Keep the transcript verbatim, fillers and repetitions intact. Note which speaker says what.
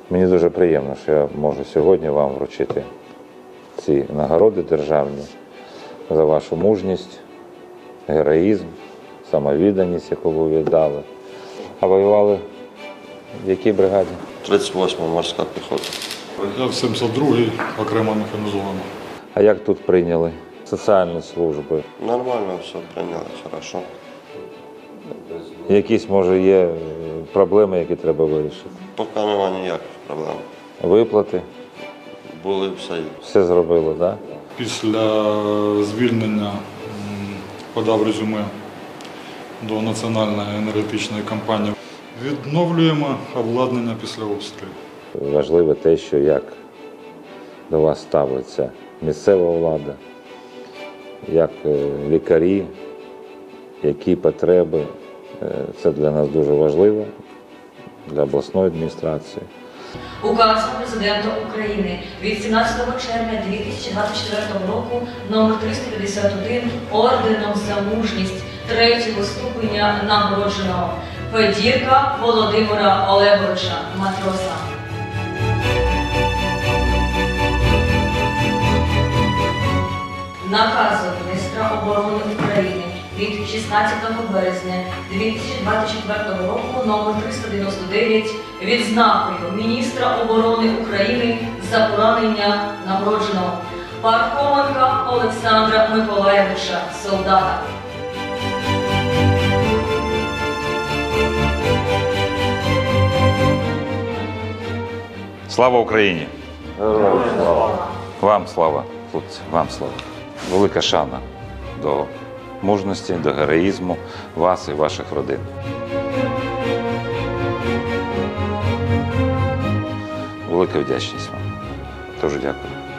Speaker 1: Мені дуже приємно, що я можу сьогодні вам вручити ці нагороди державні за вашу мужність, героїзм, самовідданість, яку ви віддали. А воювали в якій бригаді?
Speaker 2: тридцять восьма морська піхота.
Speaker 3: Я в сімдесят другій окремо механізована.
Speaker 1: А як тут прийняли соціальні служби?
Speaker 2: Нормально все прийняли, хорошо.
Speaker 1: Якісь, може, є проблеми, які треба вирішити?
Speaker 2: Поки немає ніяких проблем.
Speaker 1: Виплати?
Speaker 2: Були все.
Speaker 1: Все зробили, так?
Speaker 3: Після звільнення м, подав резюме до Національної енергетичної компанії. Відновлюємо обладнання після обстрілів.
Speaker 1: Важливо те, що як до вас ставиться місцева влада, як лікарі, які потреби. Це для нас дуже важливо, для обласної адміністрації.
Speaker 4: Указом Президента України від сімнадцятого червня дві тисячі двадцять четвертого року номер триста п'ятдесят один орденом за мужність третього ступеня нагородженого Федірка Володимира Олеговича, матроса. Наказом міністра оборони України від шістнадцятого березня дві тисячі двадцять четвертого року номер триста дев'яносто дев'ять відзнакою міністра оборони України за поранення нагородженого Пархоменка Олександра Миколаєвича, солдата.
Speaker 1: Слава Україні!
Speaker 2: Героям слава!
Speaker 1: Вам слава, хлопці, вам слава. Велика шана до мужності, до героїзму вас і ваших родин. Велика вдячність вам. Дуже дякую.